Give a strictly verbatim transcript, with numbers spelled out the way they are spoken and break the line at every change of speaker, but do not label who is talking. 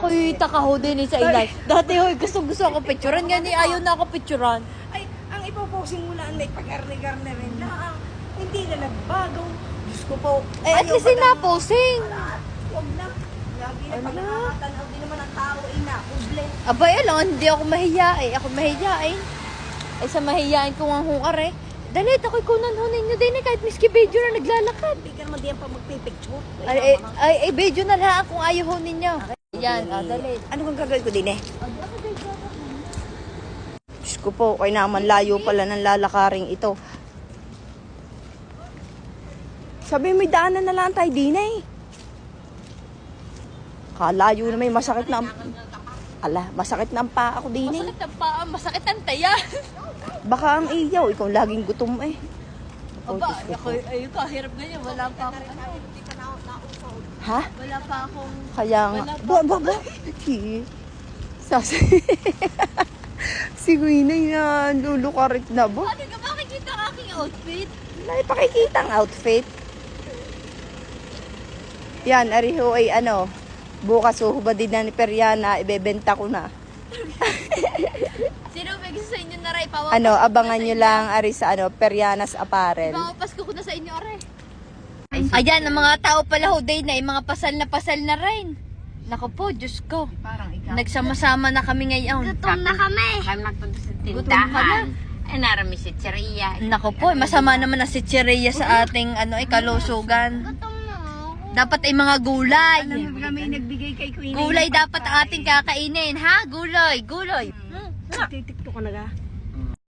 ako'y takaho din eh sa ilay. Dati hoy, gusto gusto ako picturean. Nga ni ayaw na ako picturean.
Ay, ang ipoposing mo lang may pagarni-garni rin lang. Hindi na nagbago. Diyos ko po.
Eh, at least sinaposing.
Huwag na. Lagi na pag nakakatanaw din naman ang tao ay nakuble.
Abay, alam, hindi ako mahiya eh. Ako mahiya eh. Ay, sa mahiyain ko ang hungar eh. Dalit, ako'y kunan ho ninyo din eh. Kahit miski video na naglalakad.
Hindi ka naman diyan pa magpipicture.
Ay, ay, ay, ay, video na lang kung ayaw ho ninyo. Yan, ah, dalit.
Ano kang gagawin ko din eh? Diyos ko po, kaya naman layo pala ng lalakaring ito. Sabi may daanan na lang tayo din eh. Kalayo na may masakit na ang... Ala, masakit na ang paa ako din eh.
Masakit ang paa, masakit ang taya.
Baka ang iyaw, ikaw laging gutom eh. Oh,
Aba,
Diyos ko
ako,
po.
ay, kahirap ganyan. Wala pa akong ano.
Ha?
Wala pa akong...
Kaya nga.
Wala pa.
Ba, ba, ba? Ki. Sas... si Gwina yan, lulukarit na ba?
Ano ka makikita ang aking outfit?
Wala ipakikita ang outfit. Yan, ariho ay ano, bukas uhubad din na ni Periana, ibebenta ko na.
Sino may gusto sa inyo na ray? Pawapas
Ano,
ko na
abangan
sa
nyo
inyo.
lang ari sa ano, Periana's Apparel.
Pawapas ko na sa inyo, are. Ayan, ang mga tao pala ho, day na, yung mga pasal na pasal na rin. Naku po, Diyos ko.
Parang ikaw.
Nagsama-sama na kami ngayon.
Gutom na kami. Kami magpunta sa
Gutom ka na.
tindahan. Ay, narami si Cheria.
Naku po, masama naman na si Chireya sa ating ano, eh, kalusugan.
Gutom na ako.
Dapat ay mga gulay.
Kami nagbigay kay Queen.
Gulay dapat ang ating kakainin, ha? Gulay, gulay. Hmm.
Titikto ka na ga.